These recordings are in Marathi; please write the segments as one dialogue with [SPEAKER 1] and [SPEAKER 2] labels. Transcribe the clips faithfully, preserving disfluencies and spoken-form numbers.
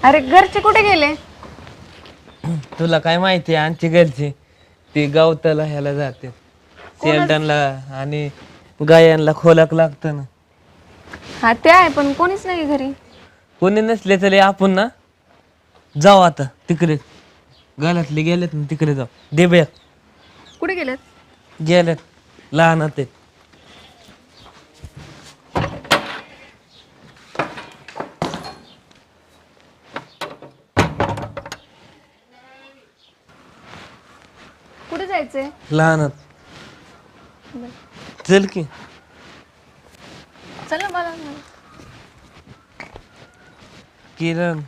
[SPEAKER 1] अरे घरचे कुठे गेले?
[SPEAKER 2] तुला काय माहिती आहे आमची घरची ती गवताला ह्याला जाते सेल्डनला आणि गायांना खोलाक लागतं ना.
[SPEAKER 1] हा ते आहे पण कोणीच नाही घरी.
[SPEAKER 2] कोणी नसले तरी आपण ना जाऊ आता तिकडे घरातले गेलेत ना तिकडे जाऊ. दे बॅग.
[SPEAKER 1] कुठे गेलेत?
[SPEAKER 2] गेलेत लहान ते.
[SPEAKER 1] कुठे जायचंय?
[SPEAKER 2] लहान चल की.
[SPEAKER 1] चला मला नाही.
[SPEAKER 2] किरण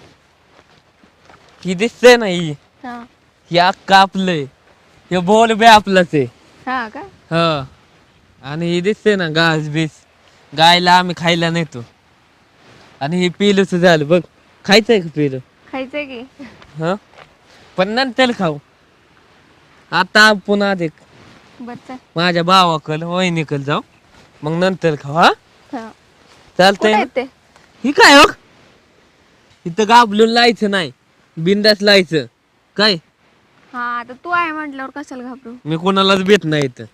[SPEAKER 2] ही दिसतंय ना ही
[SPEAKER 1] हा
[SPEAKER 2] ही अक्का आपलंय हे बोल बे आपलंच आहे.
[SPEAKER 1] हा का?
[SPEAKER 2] ह आणि ही दिसते ना घास बीस गायला आम्ही खायला नेतो. आणि हे पिलूच झालं बघ. खायचंय का पिलू?
[SPEAKER 1] खायचंय की.
[SPEAKER 2] ह पण नंतर खाऊ. आता आपण आधी
[SPEAKER 1] बच्चा
[SPEAKER 2] माझ्या भावाकडं वहिनीकडे जाऊ मग नंतर खाऊ. हा
[SPEAKER 1] हा
[SPEAKER 2] चालतंय
[SPEAKER 1] कुठे
[SPEAKER 2] ना?
[SPEAKER 1] आहेत ते?
[SPEAKER 2] ही काय हो इथं गाबलून लायचं नाही बिंदास लायचं काय.
[SPEAKER 1] हा आता तू आहे म्हटल्यावर कशाला घाबरू.
[SPEAKER 2] मी कोणालाच भेट नाही इथं.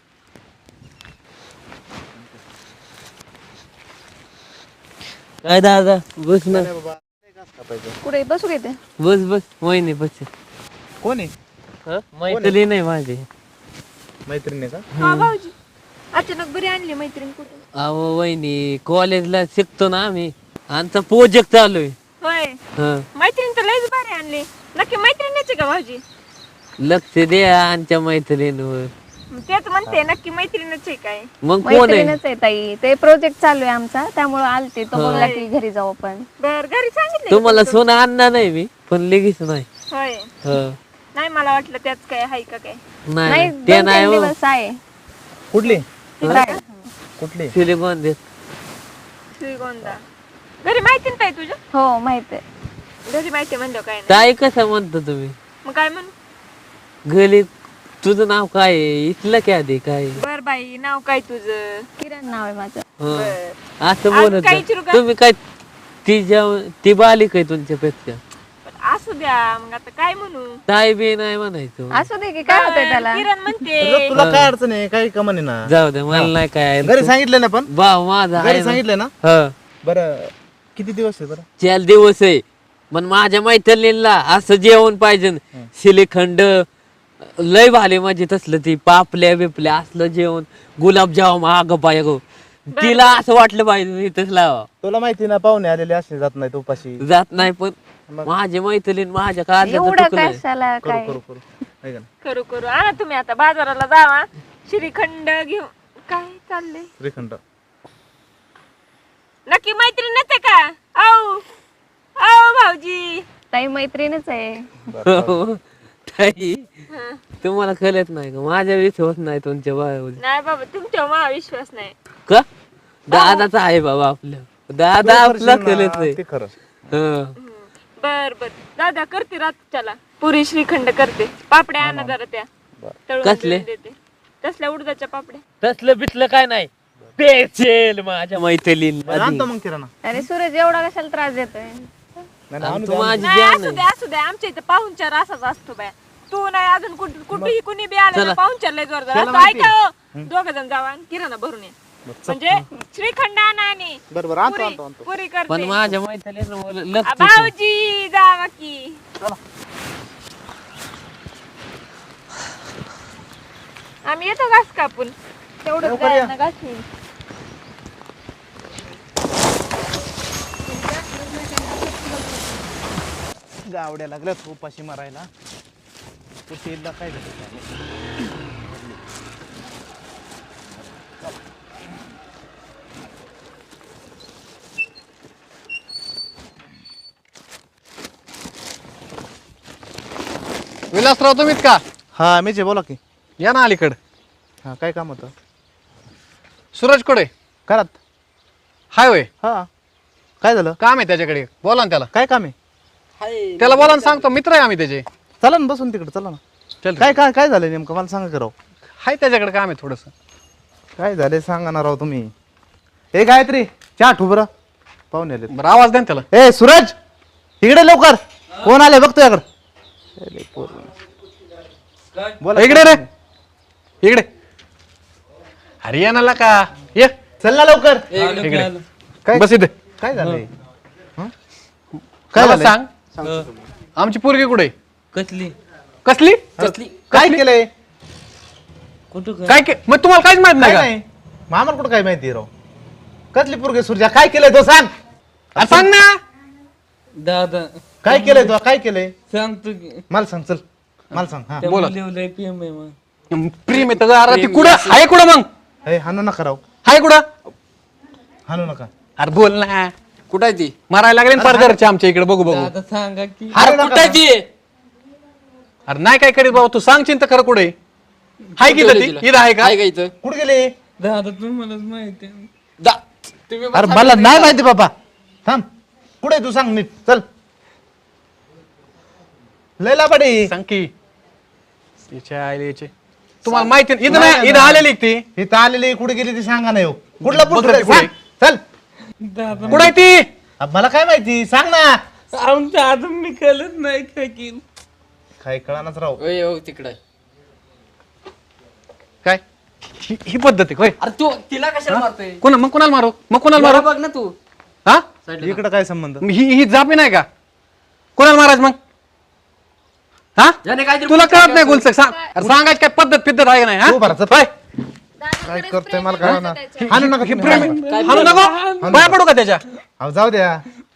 [SPEAKER 2] काय दादा बस ना.
[SPEAKER 1] कुठे बसू घेते?
[SPEAKER 2] बस बस वहिनी बस.
[SPEAKER 3] कोण आहे?
[SPEAKER 2] मैत्री नाही माझी.
[SPEAKER 3] मैत्रिणी का?
[SPEAKER 1] हा भाऊजी अचानक बरी आणली मैत्रीण कुठे?
[SPEAKER 2] अहो वहिनी कॉलेजला शिकतो ना आम्ही आमचा प्रोजेक्ट चालू आहे.
[SPEAKER 1] होय
[SPEAKER 2] हं.
[SPEAKER 1] मैत्रीण तर लयच भारी आणली. नक्की मैत्रिणीची का भाऊजी?
[SPEAKER 2] लक्ष द्या आमच्या मैत्रिणीवर.
[SPEAKER 1] तेच म्हणते नक्की मैत्रीणच आहे काय?
[SPEAKER 2] मग कोण आहे?
[SPEAKER 1] मैत्रीणच आहे ताई. ते प्रोजेक्ट चालू आहे आमचा त्यामुळे आलते तो बोलला की घरी जाऊ आपण. बर घरी सांगितलं
[SPEAKER 2] तुम्हाला सोनं आणणार नाही मी पण लगेच नाही.
[SPEAKER 1] होय
[SPEAKER 2] हं.
[SPEAKER 1] नाही मला वाटलं त्याच काय हाय का काय.
[SPEAKER 2] नाही
[SPEAKER 1] नाही
[SPEAKER 2] नाही, ते
[SPEAKER 1] दोन
[SPEAKER 2] नाही
[SPEAKER 1] तीन
[SPEAKER 2] हो.
[SPEAKER 1] दिवस आहे.
[SPEAKER 3] कुठली?
[SPEAKER 1] तिकडे.
[SPEAKER 3] कुठली?
[SPEAKER 2] सिलिकॉन देत.
[SPEAKER 1] श्रीगोंदा घरी माहिती नाही तुझं? हो माहिती आहे. घरी माहिती म्हणलं काय नाही.
[SPEAKER 2] ताई कसं म्हणता तुम्ही?
[SPEAKER 1] मग काय म्हणू?
[SPEAKER 2] घरी तुझं नाव काय आहे? इथलं काय आधी काय आहे?
[SPEAKER 1] बर बाई नाव काय तुझं? किरण नाव आहे माझं.
[SPEAKER 2] हं.
[SPEAKER 1] बर
[SPEAKER 2] असं
[SPEAKER 1] आज
[SPEAKER 2] बोलत
[SPEAKER 1] काय
[SPEAKER 2] जा.
[SPEAKER 1] विचारू का?
[SPEAKER 2] तुम्ही काय ती जेव ती बालिक आहे तुमच्यापेक्षा.
[SPEAKER 1] असू द्या मग आता काय म्हणू?
[SPEAKER 2] ताई बी नाही म्हणायचं.
[SPEAKER 1] असू दे की काय होतंय त्याला? किरण म्हणते.
[SPEAKER 3] तुला तुला काय अडचण आहे? काही कमन आहे ना?
[SPEAKER 2] जाऊ दे मला नाही काय
[SPEAKER 3] घरी सांगितलं ना पण?
[SPEAKER 2] भाव माझा आहे
[SPEAKER 3] घरी
[SPEAKER 2] ना.
[SPEAKER 3] सांगितलं ना?
[SPEAKER 2] हं.
[SPEAKER 3] बरं किती दिवस आहे बरं?
[SPEAKER 2] चार दिवस आहे पण माझ्या मैत्रिणीला असं जेवण पाहिजे. श्रीखंड लय भाले म्हणजे तसलं ती पापल्या बिपल्या असलं जेवण गुलाबजाम आग पाय गो तिला असं वाटलं पाहिजे इथंच लावा.
[SPEAKER 3] तुला माहिती ना पाहुणे आलेले असे जात नाही उपाशी.
[SPEAKER 2] जात नाही पण
[SPEAKER 3] मग?
[SPEAKER 2] माझी मैत्रीण माझ्या काळजाचं
[SPEAKER 1] एवढं
[SPEAKER 2] तुकडं
[SPEAKER 1] कशाला
[SPEAKER 3] करू
[SPEAKER 1] काय?
[SPEAKER 3] करू करू आहे का ना?
[SPEAKER 1] करू करू आणा तुम्ही आता बाजाराला जावा श्रीखंड घेऊन. काय चाललंय?
[SPEAKER 3] श्रीखंड.
[SPEAKER 1] नक्की मैत्रीणच आहे का? औ औ भाऊजी ताई मैत्रीणच आहे.
[SPEAKER 2] हो. ताई तुम्हाला कळत नाही का माझ्या विश्वास नाही तुमच्या बायावर.
[SPEAKER 1] नाही बाबा तुमच्यावर मला विश्वास नाही.
[SPEAKER 2] का दादाचा आहे बाबा आपल्या दादा आपला कळत नाही.
[SPEAKER 3] ते खरं.
[SPEAKER 2] हं.
[SPEAKER 1] बर बर दादा करते रातच्याला पुरी श्रीखंड करते. पापड्या आणा जरा त्या तळून
[SPEAKER 2] कसले?
[SPEAKER 1] बिळून देते. तसल्या उडदाच्या पापड्या.
[SPEAKER 2] तसलं बिसलं काय नाही पेचेल माझ्या मैत्रीण
[SPEAKER 3] बरं, आणतो मग किराणा.
[SPEAKER 1] अरे सूरज एवढा कशाला त्रास देतोय?
[SPEAKER 3] नाही, नाही, आणू
[SPEAKER 2] तू
[SPEAKER 3] दे, आणू
[SPEAKER 2] माझी
[SPEAKER 1] नाही
[SPEAKER 2] जान
[SPEAKER 1] असू
[SPEAKER 2] आहे.
[SPEAKER 1] दे असू दे आमच्या इथे पाहुणचार असाच असतो बाय. तू नाही अजून कुठे कुठेही कुणी बी आलं ना पाहुणचार लय जोरदार
[SPEAKER 3] त्याला
[SPEAKER 1] असतो.
[SPEAKER 3] माहिती
[SPEAKER 1] ऐका दोघ जण जावा आणि किराणा भरून ये. म्हणजे श्रीखंड आणा आणि
[SPEAKER 3] दे. बरं बरं आणतो
[SPEAKER 1] पुरी
[SPEAKER 3] आणतो आणतो.
[SPEAKER 1] पुरी
[SPEAKER 2] पण
[SPEAKER 1] करते.
[SPEAKER 2] माझ्या मैत्रिणीला
[SPEAKER 1] आ,
[SPEAKER 2] लक्ष
[SPEAKER 1] भाऊजी जावा की. आम्ही येतो घास कापून तेवढं
[SPEAKER 3] लवकर या.
[SPEAKER 1] घास येईल.
[SPEAKER 3] गावड्या लागल्यात उपाशी मारायला. कुठेला काय झालं काय माहिती.
[SPEAKER 4] विलासराव तुम्हीच का?
[SPEAKER 3] हा मीच आहे, बोला की.
[SPEAKER 4] या ना अलीकड.
[SPEAKER 3] हा काय काम होतं?
[SPEAKER 4] सूरज कोडे
[SPEAKER 3] घरात.
[SPEAKER 4] हाय होय.
[SPEAKER 3] हा काय झालं?
[SPEAKER 4] काम आहे त्याच्याकडे, बोला ना त्याला.
[SPEAKER 3] काय काम आहे?
[SPEAKER 4] त्याला बोला ना, सांगतो मित्र आहे आम्ही त्याचे.
[SPEAKER 3] चला ना बसून तिकडे चला ना.
[SPEAKER 4] चल
[SPEAKER 3] काय काय काय झालं नेमकं मला सांगा करावं.
[SPEAKER 4] हाय त्याच्याकडे काम आहे थोडस.
[SPEAKER 3] काय झाले सांगा ना राव तुम्ही. ए गायत्री चहा ठू बरं पाहुणे आले.
[SPEAKER 4] बरं आवाज द्या ना त्याला.
[SPEAKER 3] ए सूरज इकडे लवकर कोण आले बघतो याकडे बोला
[SPEAKER 4] इकडे रे इकडे हरियाणाला का ये
[SPEAKER 3] चल ना लवकर
[SPEAKER 4] इकडे
[SPEAKER 3] काय
[SPEAKER 4] बस इथे
[SPEAKER 3] काय झालंय
[SPEAKER 4] काय
[SPEAKER 3] झालंय?
[SPEAKER 4] सांग आमची पोरगी कुठे आहे?
[SPEAKER 2] कसली
[SPEAKER 4] कसली
[SPEAKER 2] कसली
[SPEAKER 3] काय केलंय
[SPEAKER 2] कुठं
[SPEAKER 4] काय के- मग तुम्हाला काहीच माहित
[SPEAKER 3] काय
[SPEAKER 4] नाही का
[SPEAKER 3] नाही मामाला कुठं काय माहिती राव कसली पोरगे सुरजा काय केलंय तो सांग
[SPEAKER 4] अरे सांग ना
[SPEAKER 2] दादा
[SPEAKER 3] काय केलंय तो काय केलंय
[SPEAKER 2] सांगतो की
[SPEAKER 3] मला सांग चल मला सांग हा
[SPEAKER 4] बोला.
[SPEAKER 2] लिवलंय पीएम आहे मग
[SPEAKER 4] प्रेम आहे अरे ती कुठं आहे कुठं मग
[SPEAKER 3] ए हानू नका राव
[SPEAKER 4] आहे कुठं
[SPEAKER 3] हानू नका
[SPEAKER 4] अरे बोल ना
[SPEAKER 2] कुठं आहे ती
[SPEAKER 4] मारायला लागले ना फार घरचे आमच्या इकडे बघू बघू
[SPEAKER 2] दादा सांगा की
[SPEAKER 3] हाणू
[SPEAKER 2] अरे
[SPEAKER 3] नका
[SPEAKER 2] कुठं आहे ती
[SPEAKER 4] अरे नाही काय करीत बाबा तू सांगशील तर खरं कुठे आहे? हाय की
[SPEAKER 2] कुठं
[SPEAKER 4] ती
[SPEAKER 2] गेली?
[SPEAKER 4] इथं आहे का
[SPEAKER 2] आहे का इथं
[SPEAKER 3] कुठे गेले
[SPEAKER 2] दादा तुम्हालाच माहिती आहे. दा तुम्ही
[SPEAKER 3] अरे मला नाही माहिती बाबा थांब कुठे तू सांग नीट चल लैला बडी
[SPEAKER 4] सांग की तिच्या आईला याचे. तुम्हाला माहिती नाही. इथं नाही इथं आलेली ती
[SPEAKER 3] इथं आलेली कुठे गेली ती सांगा नाही हो कुठला
[SPEAKER 4] बघ
[SPEAKER 3] पुढे
[SPEAKER 4] ती कुठे?
[SPEAKER 3] चल
[SPEAKER 2] दादा
[SPEAKER 4] कुठं आहे ती
[SPEAKER 3] अब मला काय माहिती सांग ना
[SPEAKER 2] आमच्या अजून मी कळत नाही काय की
[SPEAKER 3] काय कळानाच राव
[SPEAKER 2] ओय ओ तिकडे
[SPEAKER 4] काय ही ही पद्धत आहे होय
[SPEAKER 2] अरे तू तिला कशाला मारतोय
[SPEAKER 4] कोणा मग कोणाला मारू मग कोणाला
[SPEAKER 2] मला
[SPEAKER 4] मारू
[SPEAKER 2] बघ ना तू
[SPEAKER 4] हा
[SPEAKER 3] इकडं काय संबंध
[SPEAKER 4] मग ही ही जापी नाही का कोणाला मारायचं मग हा
[SPEAKER 2] ज्याने काहीतरी
[SPEAKER 4] तुला कळत नाही गुलसक सांग अरे सांगायची काय पद्धत पिद्धत आहे का नाही हा
[SPEAKER 3] तू भराचं
[SPEAKER 4] होय?
[SPEAKER 3] काय करतोय मला काय ना हाणू नका
[SPEAKER 4] ही
[SPEAKER 3] तुम्ही.
[SPEAKER 4] प्रेम आहे. हाणू नको पाया पडू का त्याच्या
[SPEAKER 3] अहो, जाऊ द्या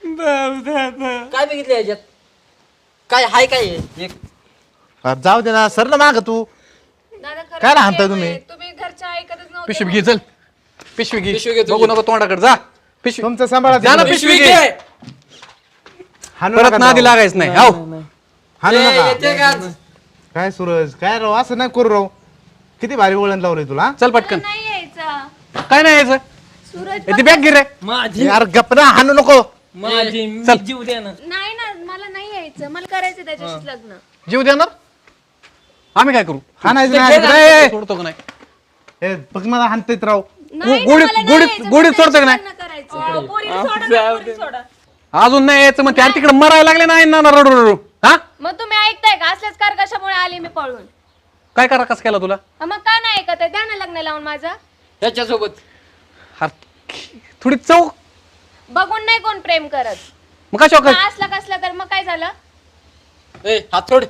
[SPEAKER 2] काय बघितलं याच्यात काय हाय काय हे? एक
[SPEAKER 3] अरे जाऊ दे ना सर ना माग तू
[SPEAKER 1] दादा खरंच
[SPEAKER 3] काय हाणताय
[SPEAKER 1] प्रेम
[SPEAKER 3] तुम्ही?
[SPEAKER 1] आहे. तुम्ही घरच्या ऐकतच नव्हते
[SPEAKER 4] पिशवी घे चल पिशवी घे
[SPEAKER 2] पिशवी घे तुझी.
[SPEAKER 4] बघू नको तोंडाकडे जा पिशवी
[SPEAKER 3] तुमचं सांभाळा
[SPEAKER 4] जा ना,
[SPEAKER 2] पिशवी
[SPEAKER 4] पिशवी
[SPEAKER 2] घे
[SPEAKER 4] घे.
[SPEAKER 3] हाणू
[SPEAKER 4] परत
[SPEAKER 3] नका
[SPEAKER 4] नादी
[SPEAKER 3] जाऊ.
[SPEAKER 4] लागायच नाही हाव
[SPEAKER 3] हाणू
[SPEAKER 2] ए,
[SPEAKER 3] नका
[SPEAKER 2] येते का आज?
[SPEAKER 3] काय सूरज काय राव असं नाही करू राव किती भारी वळण लावलंय तुला
[SPEAKER 4] चल पटकन
[SPEAKER 1] नाही यायचं
[SPEAKER 4] काय नाही यायचं
[SPEAKER 1] सूरज
[SPEAKER 4] ए, ती बॅग घे रे
[SPEAKER 2] माझी
[SPEAKER 3] यार गप ना हाणू नको
[SPEAKER 2] माझी मी
[SPEAKER 4] चल.
[SPEAKER 2] जीव द्या ना
[SPEAKER 1] नाही ना मला नाही यायचं मला करायचं त्याच्याशीच लग्न
[SPEAKER 4] जीव देणार आम्ही काय करू
[SPEAKER 3] हाणायचं नाही
[SPEAKER 4] ए, सोडतो का नाही
[SPEAKER 3] ए, बघ मला हाणतेत राव
[SPEAKER 1] नाही ना,
[SPEAKER 4] गोडीत-
[SPEAKER 1] मला नाही
[SPEAKER 4] गोडीत-
[SPEAKER 1] यायचं,
[SPEAKER 4] गोडीत
[SPEAKER 1] मला
[SPEAKER 4] सोडतं का नाही?
[SPEAKER 1] लग्न करायचं. पोरीला सोडा ना, पोरीला सोडा.
[SPEAKER 4] अजून नाही यायचं मग त्या तिकडे मरायला लागले नाही ना रडू रडू हा
[SPEAKER 1] मग तुम्ही ऐकताय का असल्याच कार कशामुळे आली मी पळून
[SPEAKER 4] काय करा कसं केला तुला
[SPEAKER 1] मग का नाही ऐकत आहे? द्या ना लग्न लावून माझं
[SPEAKER 2] ह्याच्यासोबत
[SPEAKER 4] अरे, थोडी चौक
[SPEAKER 1] बघून नाही कोण प्रेम करत
[SPEAKER 4] मग कशा
[SPEAKER 1] मग असला कसला तर मग काय झालं
[SPEAKER 2] ए हात सोड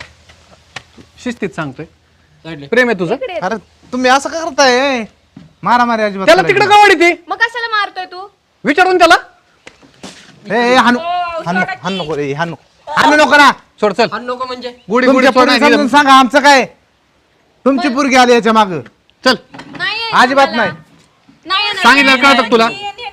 [SPEAKER 4] शिस्तीत सांगतोय
[SPEAKER 2] साईडला.
[SPEAKER 4] प्रेम आहे तुझं
[SPEAKER 1] इकडे ये.
[SPEAKER 3] अरे तुम्ही असं का करताय मारा मारी अजिबात
[SPEAKER 4] त्याला
[SPEAKER 3] करायची
[SPEAKER 4] तिकडे कवाडी ती
[SPEAKER 1] मग कशाला मारतोय तू
[SPEAKER 4] विचारून त्याला
[SPEAKER 3] नाही. ए, ए, हाणू हाणू हाणू नको रे हाणू हाणू नको ना
[SPEAKER 4] सोड चल
[SPEAKER 2] हाण नको म्हणजे
[SPEAKER 4] गुडी गुडी
[SPEAKER 3] तुमच्या
[SPEAKER 4] सोड
[SPEAKER 3] पोरी
[SPEAKER 4] नाही
[SPEAKER 3] समजून
[SPEAKER 4] दिलं.
[SPEAKER 3] सांगा आमचं काय तुमची पोरगी आली याच्या माग
[SPEAKER 4] चल
[SPEAKER 1] नाही यायचं
[SPEAKER 3] अजिबात
[SPEAKER 1] मला.
[SPEAKER 3] नाही
[SPEAKER 1] नाही येणार.
[SPEAKER 4] सांगितलं कळतं तुला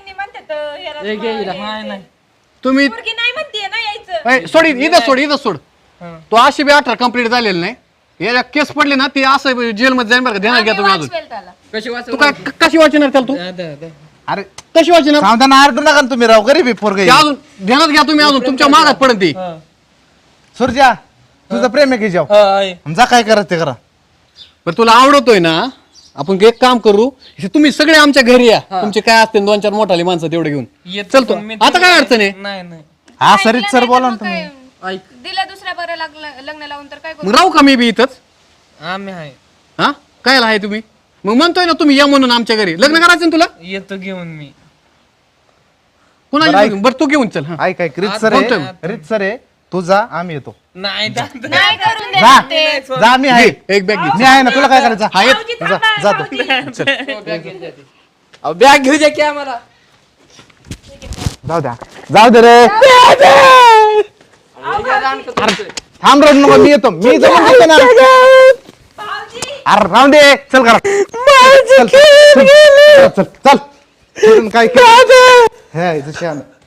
[SPEAKER 2] ए, घे हिला. नाही नाही
[SPEAKER 4] तुम्ही
[SPEAKER 1] नाही म्हणते ना यायचं
[SPEAKER 4] ए, सोड इथं सोड इथं सोड तो अशी बी अठरा कम्प्लीट झालेली नाही याला केस पडले ना ती असं जेलमध्ये जाईन बरं का ध्यानात घ्या तुम्ही अजून
[SPEAKER 1] वाचवेल त्याला
[SPEAKER 2] कशी वाचव
[SPEAKER 4] तू काय क- कशी वाचणार त्याला तू
[SPEAKER 2] दादा, दादा.
[SPEAKER 3] अरे
[SPEAKER 4] कशी वाचणार
[SPEAKER 3] सावधान आरडू नका ना तुम्ही राव गरीब आहे पोरगी
[SPEAKER 4] ते अजून ध्यानात घ्या तुम्ही अजून तुमच्या मागात पडत ती
[SPEAKER 2] हा.
[SPEAKER 3] सुरजा तुझं प्रेम आहे की जाऊ
[SPEAKER 2] हा, आहे.
[SPEAKER 3] जा काय करत ते करा
[SPEAKER 4] पण तुला आवडतोय ना आपण एक काम करू हे तुम्ही सगळे आमच्या घरी या तुमचे काय असते दोन चार मोठाले माणसं तेवढे घेऊन
[SPEAKER 2] येतो
[SPEAKER 4] चलतो
[SPEAKER 2] पण मी
[SPEAKER 4] आता काय अडचण आहे
[SPEAKER 2] नाही नाही
[SPEAKER 3] हा सरीत सर
[SPEAKER 1] नाही
[SPEAKER 3] बोला
[SPEAKER 1] तर
[SPEAKER 3] ना
[SPEAKER 1] मग
[SPEAKER 3] तुम्ही
[SPEAKER 1] काय?
[SPEAKER 2] ऐक
[SPEAKER 1] दिलं दुसऱ्या बरं लागलं लग्न लावून तर काय करू
[SPEAKER 4] मग राहू का मी बी इथंच
[SPEAKER 2] आम्ही आहे
[SPEAKER 4] हा काय आहे तुम्ही मग म्हणतोय ना तुम्ही या म्हणून आमच्या घरी लग्न करायचं ना तुला
[SPEAKER 2] येतो घेऊन मी
[SPEAKER 4] कोणाला
[SPEAKER 3] बरं, ऐक.
[SPEAKER 4] बरं तू घेऊन चल हा
[SPEAKER 3] ऐक काय रीत सर
[SPEAKER 4] बोलतोय.
[SPEAKER 3] आहे रीत सर आहे तू जा आम्ही येतो
[SPEAKER 2] नाही दादा.
[SPEAKER 1] नाही करून
[SPEAKER 3] जा
[SPEAKER 1] देत ते
[SPEAKER 3] जा मी आहे
[SPEAKER 4] घे, एक बॅग घे
[SPEAKER 3] मी आहे ना तुला काय करायचं
[SPEAKER 4] हा येत
[SPEAKER 3] जा जातो
[SPEAKER 2] अहो, बॅग घेऊ द्या की आम्हाला
[SPEAKER 3] जाऊ द्या जाऊ दे रे थांब रड नको मी येतो मी जमून घेतो ना अरे राहून दे चल करा चल चल चल चल चल. काय केलं? हे, इथं शहाणं.